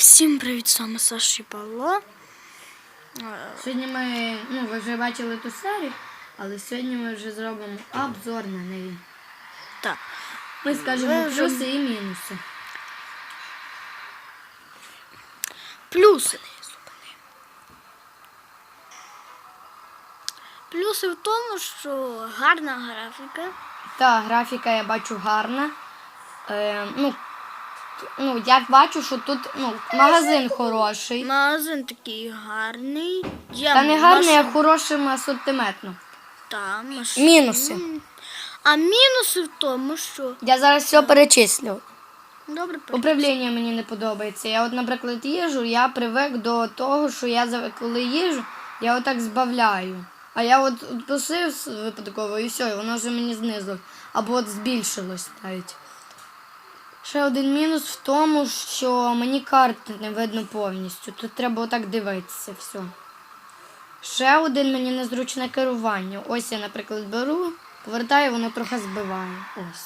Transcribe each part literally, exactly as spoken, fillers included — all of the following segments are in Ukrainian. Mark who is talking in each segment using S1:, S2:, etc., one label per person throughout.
S1: Всім привіт, саме Саша і Павло.
S2: Сьогодні ми, ну ви вже бачили ту серію, але сьогодні ми вже зробимо обзор на неї.
S1: Так.
S2: Ми скажемо
S1: вже...
S2: плюси і мінуси.
S1: Плюси. Плюси в тому, що гарна графіка.
S2: Так, графіка я бачу гарна. Е, ну, ну, я бачу, що тут ну, магазин хороший.
S1: Магазин такий гарний. Є
S2: Та не гарний,
S1: маш...
S2: а хорошим асортиментно.
S1: Та, маш...
S2: Мінуси.
S1: А мінуси в тому, що...
S2: Я зараз все перечислю.
S1: Добре,
S2: управління мені не подобається. Я от, наприклад, їжу, я привик до того, що я коли їжу, я отак збавляю. А я от посив випадково і все, і воно вже мені знизило. Або от збільшилось навіть. Ще один мінус в тому, що мені карти не видно повністю. Тут треба отак дивитися все. Ще один мені незручне керування. Ось я, наприклад, беру, повертаю, воно трохи збиває. Ось.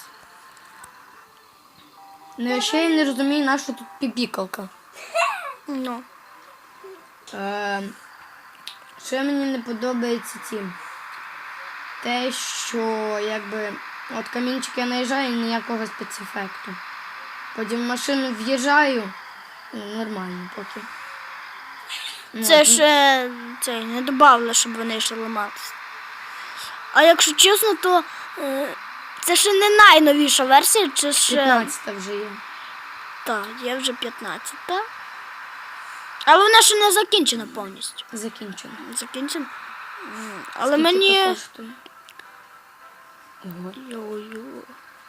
S2: Ну, ще я не розумію, на що тут піпікалка.
S1: Ну.
S2: Е, ще мені не подобається ті. Те, що якби от камінчик я наїжджаю, ніякого спецефекту. Потім в машину в'їжджаю, ну, нормально поки.
S1: Це
S2: от.
S1: ще це, не додавали, щоб вони ще ламатися. А якщо чесно, то е, це ще не найновіша версія, чи ще...
S2: п'ятнадцята вже є.
S1: Так, є вже п'ятнадцята. Але вона ще не закінчена повністю.
S2: Закінчено.
S1: Закінчена? Але
S2: Скільки
S1: мені...
S2: то коштує? Ого.
S1: Йо-йо.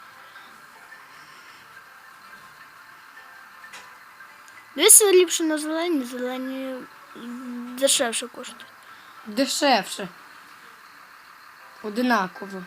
S1: Дивіться ліпше на зелені, зелені дешевше коштують.
S2: Дешевше. Одинаково.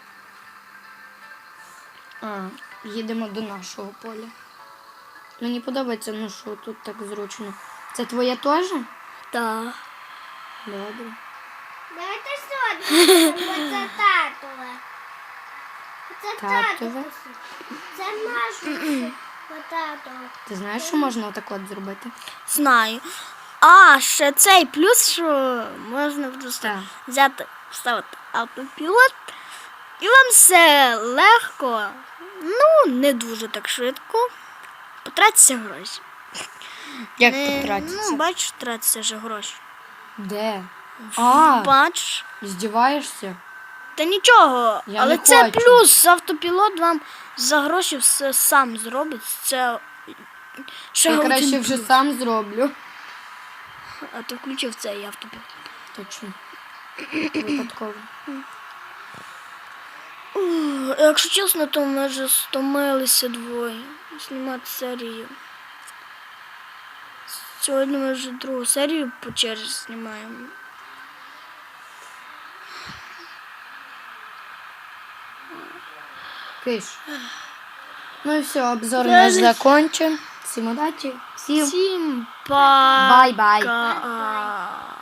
S2: А, їдемо до нашого поля. Мені подобається, ну що тут так зручно. Це твоє теж?
S1: Так.
S2: Добре.
S3: Давайте сьогодні, бо це татове. Це
S2: Татове?
S3: Це наше татове.
S2: Ти знаєш, що можна отак от зробити?
S1: Знаю. А, ще цей плюс, що можна просто
S2: Так.
S1: взяти, вставити автопілот, і вам все легко, ну, не дуже так швидко, потратиться гроші.
S2: Як
S1: Е,
S2: потратиться?
S1: Ну, бачиш, тратиться вже гроші.
S2: Де? А,
S1: Бачиш?
S2: здіваєшся?
S1: Та нічого,
S2: Я
S1: але
S2: не
S1: це
S2: хочу.
S1: плюс, автопілот вам за гроші все сам зробить, це ще
S2: Я
S1: один
S2: краще вже
S1: плюс.
S2: сам зроблю.
S1: А ти включив цей автопілот.
S2: Точно. Випадково.
S1: Ух, якщо чесно, то ми вже стомилися двоє знімати серію. Сьогодні ми вже другу серію по черзі знімаємо.
S2: Киш. Ну і все, обзор
S1: Я
S2: наш
S1: не-
S2: закончен. Всім удачі. Всім
S1: Всім па.
S2: бай-бай.
S1: Ка-